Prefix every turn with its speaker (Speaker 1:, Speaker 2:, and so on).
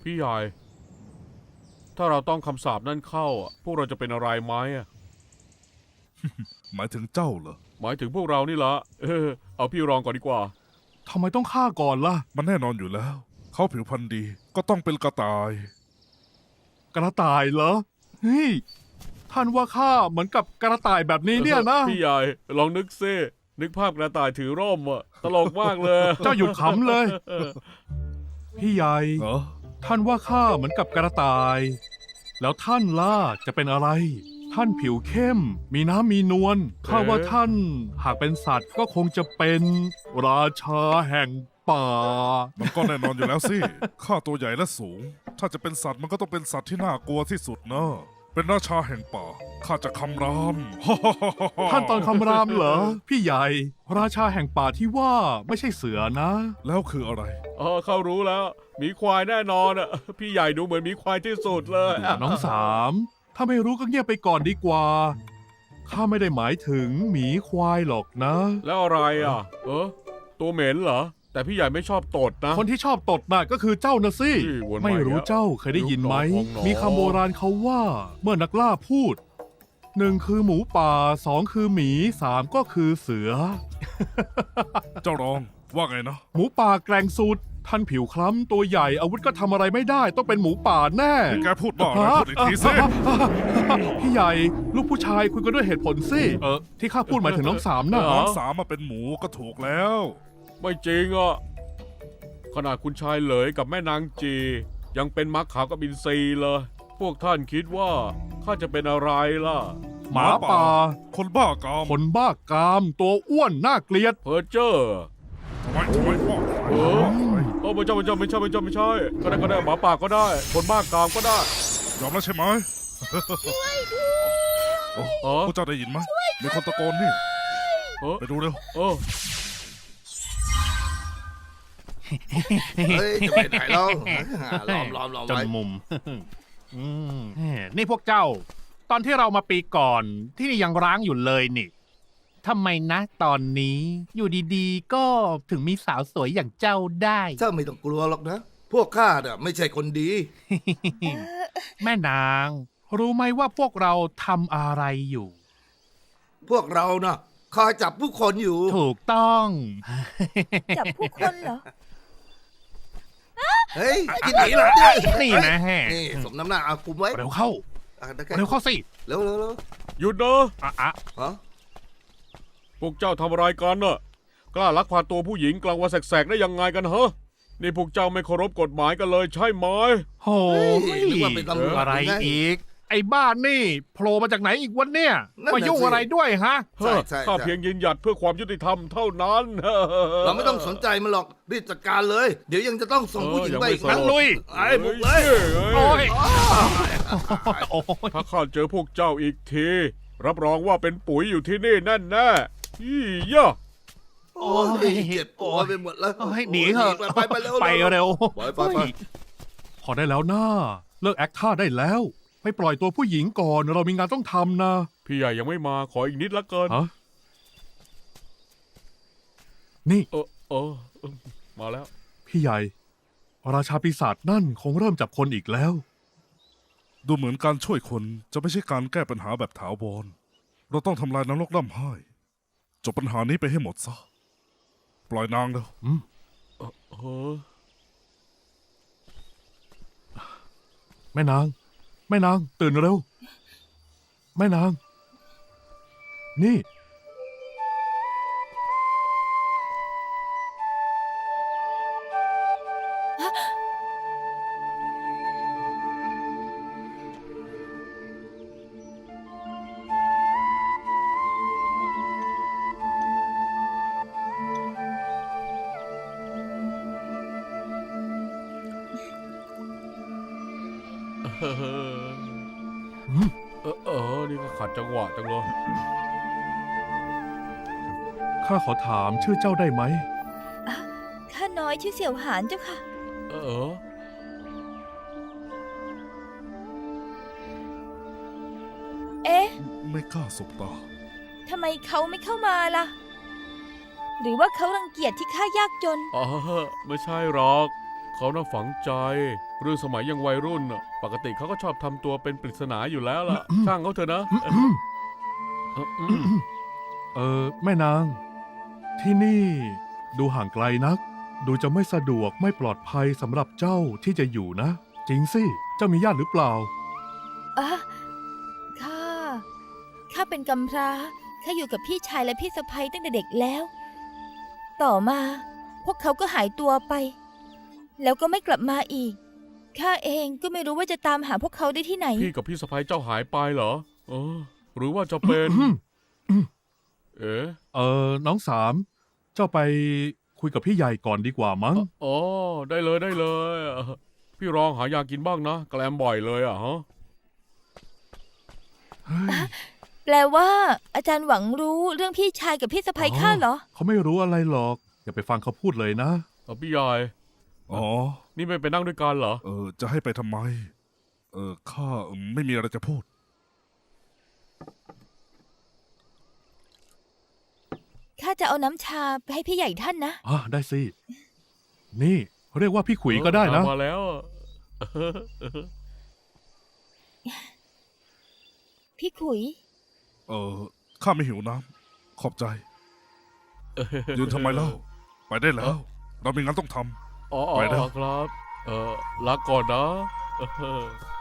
Speaker 1: พี่ใหญ่ถ้าเราต้องคำสาปนั่นเข้าพวกเราจะเป็นอะไรไหม
Speaker 2: หมายถึงเจ้าเหรอ
Speaker 1: หมายถึงพวกเรานี่ละเอาพี่รองก่อนดีกว่า
Speaker 3: ทำไมต้องฆ่าก่อนล่ะ
Speaker 2: มันแน่นอนอยู่แล้ว เขาผิวพรรณดีก็ต้องเป็นกระต่าย
Speaker 3: กระต่ายเหรอเฮ้ยท่านว่าข้าเหมือนกับกระต่ายแบบนี้เนี่ยนะ
Speaker 1: พี่ใหญ่ลองนึกซินึกภาพกระต่ายถือร่มตลกมากเลย
Speaker 3: เจ้าหยุดขำเลย พี่ใหญ่
Speaker 2: เหรอ
Speaker 3: ท่านว่าข้าเหมือนกับกระต่าย แล้วท่านล่ะจะเป็นอะไร ท่านผิวเข้ม มีน้ำมีนวลข้าว่าท่านหากเป็นสัตว์ก็คงจะเป็นราชาแห่งป่า
Speaker 2: มันก็แน่นอนอยู่แล้วสิ ข้าตัวใหญ่และสูง ถ้าจะเป็นสัตว์มันก็ต้องเป็นสัตว์ที่น่ากลัวที่สุดนะ เป็นราชาแห่งป่า ข้าจะคำราม
Speaker 3: ท่านตอนคำรามเหรอ พี่ใหญ่ ราชาแห่งป่าที่ว่าไม่ใช่เสือนะ
Speaker 2: แล้วคืออะไร
Speaker 1: เขารู้แล้วหมีควายแน่นอนพี่ใหญ่ดูเหมือนหมีควายที่สุดเลย
Speaker 3: น้องสามถ้าไม่รู้ก็เงียบไปก่อนดีกว่า ข้าไม่ได้หมายถึงหมีควายหรอกนะ
Speaker 1: แล้วอะไรตัวเหม็นเหรอแต่พี่ใหญ่ไม่ชอบตดนะ
Speaker 3: คนที่ชอบตดน่ะก็คือเจ้านะสิ
Speaker 1: วนมา
Speaker 3: ไม่รู้
Speaker 1: อีกแล้ว
Speaker 3: เจ้าเคยได้ยินไหม
Speaker 1: ลูกน้องของหนอ
Speaker 3: มีคำโบราณเขาว่า เมื่อนักล่าพูดหนึ่งคือหมูป่าสองคือหมีสามก็คือเสือ
Speaker 2: เจ้ารองว่าไงนะ
Speaker 3: หมูป่าแกร่งสุด ท่านผิวคล้ำตัวใหญ่อาวุธก็ทำอะไรไม่ได้ ต้องเป็นหมูป่าแน่
Speaker 2: แกพูดบ้าอะไรพูดอีกทีสิ
Speaker 3: พี่ใหญ่ ลูกผู้ชายคุยกันด้วยเหตุผลสิที่ข้าพูดหมายถึงน้องสามน่ะ
Speaker 2: น้องสามมาเป็นหมูก็ถูกแล้ว
Speaker 1: ไม่จริงขนาดคุณชายเหลยกับแม่นางจี ยังเป็นมักขาวกับอินทรีเลย พวกท่านคิดว่าข้าจะเป็นอะไรล่ะ
Speaker 3: หมาป่า
Speaker 2: คนบ้ากาม
Speaker 3: คนบ้ากาม ตัวอ้วนน่าเกลียด
Speaker 1: เพอเจอร์
Speaker 2: ทำไมพ่อ
Speaker 1: ไม่ใช่ก็ได้หมาป่าก็ได้ คนบ้ากามก็ได้
Speaker 2: ยอมแล้วใช่ไหมพวกเจ้าได้ยินไหมมีคนตะโกนนี่ ไปดูเร็ว
Speaker 4: เฮ้ยจะไปไหนแล้วล้อม
Speaker 3: จน
Speaker 4: ไว้
Speaker 3: มุม นี่พวกเจ้า ตอนที่เรามาปีก่อนที่นี่ยังร้างอยู่เลยนี่ทำไมนะตอนนี้อยู่ดีๆ ก็ถึงมีสาวสวยอย่างเจ้าได้
Speaker 4: เจ้าไม่ต้องกลัวหรอกนะ พวกข้าเนี่ยไม่ใช่คนดี
Speaker 3: แม่นาง รู้ไหมว่าพวกเราทำอะไรอยู่
Speaker 4: พวกเราน่ะคอยจับผู้คนอยู่
Speaker 3: ถูกต้อง
Speaker 5: จับผู้คนเหรอ
Speaker 4: เฮ้ยที่ไหนล่ะ
Speaker 3: นี่นะแฮะ
Speaker 4: นี่สมน้ำหน้าเอาคุมไว้
Speaker 3: เร็วเข้า เร็วเข้าสิ
Speaker 4: เร็ว
Speaker 1: หยุดนะ
Speaker 3: อ่ะ
Speaker 4: ฮะ
Speaker 1: พวกเจ้าทำอะไรกันกล้าลักพาตัวผู้หญิงกลางวันแสกๆได้ยังไงกันนี่พวกเจ้าไม่เคารพกฎหมายกันเลยใช่ไหม
Speaker 3: โห
Speaker 4: นึกว่าเป็นตำรวจ
Speaker 3: อะไร
Speaker 4: ง
Speaker 3: อีก ไอ้บ้านนี่โผล่มาจากไหนอีกวันเนี่ย
Speaker 4: นั่นน่ะ
Speaker 3: มายุ่ง
Speaker 4: สิ
Speaker 3: อะไรด้วยฮะ
Speaker 4: ใช่ใช่
Speaker 1: ข้าเพียงยืนหยัดเพื่อความยุติธรรมเท่านั้น
Speaker 4: เราไม่ต้องสนใจมันหรอกรีบจัดการเลย เดี๋ยวยังจะต้องส่งผู้หญิงไปอีก
Speaker 1: ยั
Speaker 4: นะ
Speaker 1: งไม่สน
Speaker 3: ลุย
Speaker 4: ไอ้บุกเลย
Speaker 3: โอ้ยโอ้ย
Speaker 1: ถ้าข้าเจอพวกเจ้าอีกที รับรองว่าเป็นปุ๋ยอยู่ที่นี่แน่ๆยี่ยะ
Speaker 4: โอ้ยเจ็บตัวไปหมดแล้ว
Speaker 3: โอ้ยหนีเถอะ
Speaker 4: ไปเร็ว
Speaker 3: ไปเร็ว
Speaker 4: ไป
Speaker 3: พอได้แล้วนะเลิกแอคท่าได้แล้ว ไปปล่อยตัวผู้หญิงก่อนเรามีงานต้องทำนะ
Speaker 1: พี่ใหญ่ยังไม่มาขออีกนิดละเกิน
Speaker 3: ฮะนี่
Speaker 1: มาแล้ว
Speaker 3: พี่ใหญ่ ราชาปีศาจนั่นคงเริ่มจับคนอีกแล้ว
Speaker 2: ดูเหมือนการช่วยคนจะไม่ใช่การแก้ปัญหาแบบถาวร เราต้องทำลายนรกร่ำไห้จบปัญหานี้ไปให้หมดซะ ปล่อยนางเร็ว
Speaker 3: แม่นาง แม่นาง ตื่นเร็ว แม่นาง นี่
Speaker 1: นี่ก็ขัดจังหวะจังเลย
Speaker 3: ข้าขอถามชื่อเจ้าได้ไหม
Speaker 5: ข้าน้อยชื่อเสี่ยวหานเจ้าค่ะ เอ๊ะ
Speaker 2: ไม่กล้าสบตา
Speaker 5: ทำไมเขาไม่เข้ามาล่ะ หรือว่าเขารังเกียจที่ข้ายากจน
Speaker 1: ไม่ใช่หรอก เขาน่าฝังใจเรื่องสมัยยังวัยรุ่นน่ะปกติเขาก็ชอบทำตัวเป็นปริศนาอยู่แล้วล่ะ ช่างเขาเถอะนะ
Speaker 3: แม่นาง ที่นี่ดูห่างไกลนัก ดูจะไม่สะดวกไม่ปลอดภัยสำหรับเจ้าที่จะอยู่นะ จริงสิ เจ้ามีญาติหรือเปล่า
Speaker 5: อ่ะข้าเป็นกำพร้าข้าอยู่กับพี่ชายและพี่สะใภ้ตั้งแต่เด็กแล้ว ต่อมา พวกเขาก็หายตัวไป แล้วก็ไม่กลับมาอีกข้าเองก็ไม่รู้ว่าจะตามหาพวกเขาได้ที่ไหน
Speaker 1: พี่กับพี่สะพ้ายเจ้าหายไปเหรอหรือว่าจะเป็น
Speaker 3: น้องสาม เจ้าไปคุยกับพี่ใหญ่ก่อนดีกว่ามั้ง
Speaker 1: อ๋อได้เลยได้เลยพี่รองหายากินบ้างนะแกลมบ่อยเลยฮะ
Speaker 5: แปลว่า อาจารย์หวังรู้เรื่องพี่ชายกับพี่สะใภ้ข้าเหรอ
Speaker 3: เขาไม่รู้อะไรหรอก อย่าไปฟังเขาพูดเลยนะ
Speaker 1: พี่ใหญ่
Speaker 2: อ๋อ
Speaker 1: นี่ไม่ไปนั่งด้วยกันเหรอ
Speaker 2: จะให้ไปทำไม ข้าไม่มีอะไรจะพูด
Speaker 5: ข้าจะเอาน้ำชาไปให้พี่ใหญ่ท่านนะ
Speaker 3: ได้สิ นี่เรียกว่าพี่ขุยก็ได้นะ
Speaker 1: มาแล้ว
Speaker 5: พี่ขุย
Speaker 2: ข้าไม่หิวน้ำขอบใจ ยืนทำไมเล่า ไปได้แล้ว เรามีงานต้องทำ
Speaker 1: อ๋อ
Speaker 2: ไปแล้ว
Speaker 1: ครับลาก่อนนะ